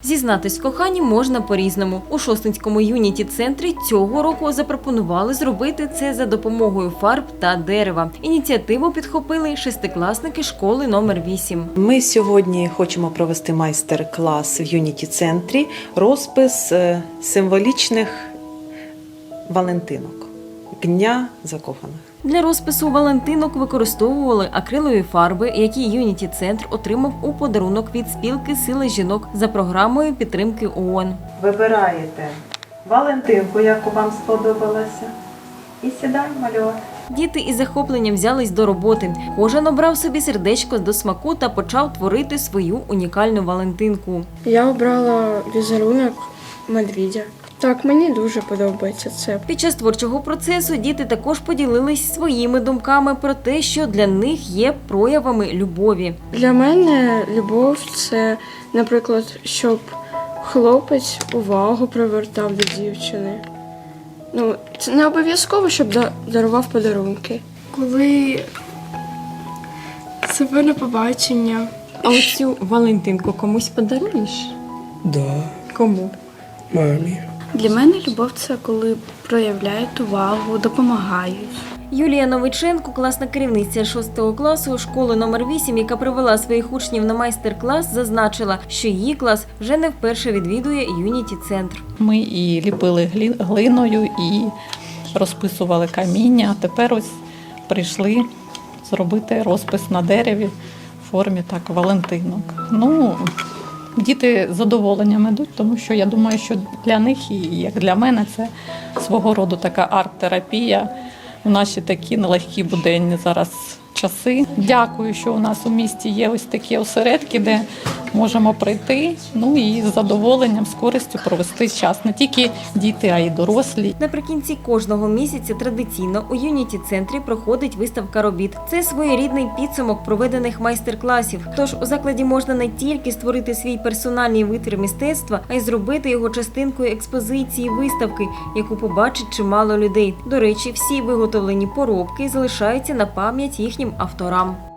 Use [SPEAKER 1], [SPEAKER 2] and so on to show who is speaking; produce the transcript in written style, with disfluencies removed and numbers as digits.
[SPEAKER 1] Зізнатись в коханні можна по-різному. У Шосткинському юніті-центрі цього року запропонували зробити це за допомогою фарб та дерева. Ініціативу підхопили шестикласники школи номер 8.
[SPEAKER 2] Ми сьогодні хочемо провести майстер-клас в юніті-центрі розпис символічних валентинок Дня закоханих.
[SPEAKER 1] Для розпису валентинок використовували акрилові фарби, які Юніті-центр отримав у подарунок від спілки «Сила жінок» за програмою підтримки ООН.
[SPEAKER 2] Вибираєте валентинку, яку вам сподобалася, і сідаємо малювати.
[SPEAKER 1] Діти із захопленням взялись до роботи. Кожен обрав собі сердечко до смаку та почав творити свою унікальну валентинку.
[SPEAKER 3] Я обрала візерунок медведя. Так, мені дуже подобається це.
[SPEAKER 1] Під час творчого процесу діти також поділились своїми думками про те, що для них є проявами любові.
[SPEAKER 3] Для мене любов – це, наприклад, щоб хлопець увагу привертав до дівчини. Це не обов'язково, щоб дарував подарунки.
[SPEAKER 4] Коли себе на побачення.
[SPEAKER 1] А оцю валентинку комусь подаруєш?
[SPEAKER 5] Да,
[SPEAKER 1] Кому?
[SPEAKER 5] мамі.
[SPEAKER 4] Для мене любов – це коли проявляють увагу, допомагають.
[SPEAKER 1] Юлія Новиченко, класна керівниця 6 класу школи номер 8, яка привела своїх учнів на майстер-клас, зазначила, що її клас вже не вперше відвідує Юніті-центр.
[SPEAKER 6] Ми і ліпили глиною, і розписували каміння. А тепер ось прийшли зробити розпис на дереві в формі валентинок. Діти з задоволенням йдуть, тому що я думаю, що для них, і як для мене, це свого роду така арт-терапія у наші такі нелегкі буденні зараз часи. Дякую, що у нас у місті є ось такі осередки, де можемо прийти, і з задоволенням, з користю провести час. Не тільки діти, а й дорослі.
[SPEAKER 1] Наприкінці кожного місяця традиційно у Юніті-центрі проходить виставка робіт. Це своєрідний підсумок проведених майстер-класів. Тож у закладі можна не тільки створити свій персональний витвір мистецтва, а й зробити його частинкою експозиції виставки, яку побачить чимало людей. До речі, всі виготовлені поробки залишаються на пам'ять їхнім авторам.